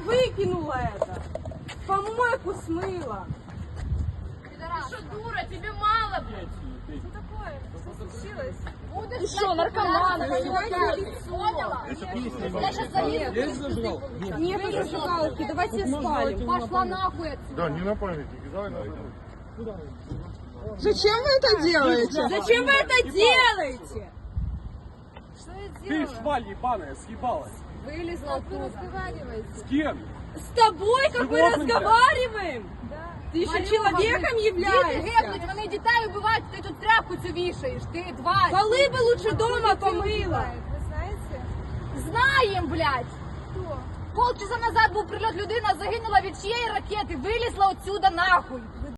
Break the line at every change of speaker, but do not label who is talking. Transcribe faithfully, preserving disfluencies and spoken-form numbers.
выкинула это. Помойку смыла.
Ты что, дура, тебе мало, блядь?
Что такое? Что случилось?
Будешь,
Ты что, наркоман?
Поняла? Я сейчас залезу.
Нету зажигалки, давайте спалим.
Пошла нахуй отсюда.
Да, не на памятник, давай на
Зачем вы это делаете?
Зачем вы это делаете?
Что я
Ты
делаю?
шваль ебаная, съебалась.
Вылезла оттуда. Разговаривайте.
С кем?
С тобой, как мы
Животным, блядь.
разговариваем? Ты еще человеком
Діти
являешься?
гепнуть, вони дітей вбивають, ти тут тряпку цю вішаєш, ти тварь.
Полы бы лучше дома помыла.
Ви знаєте? Знаєм, блядь. Хто? Полчаса назад був прильот, людина загинула від чиєї ракети, вилізла отсюда нахуй.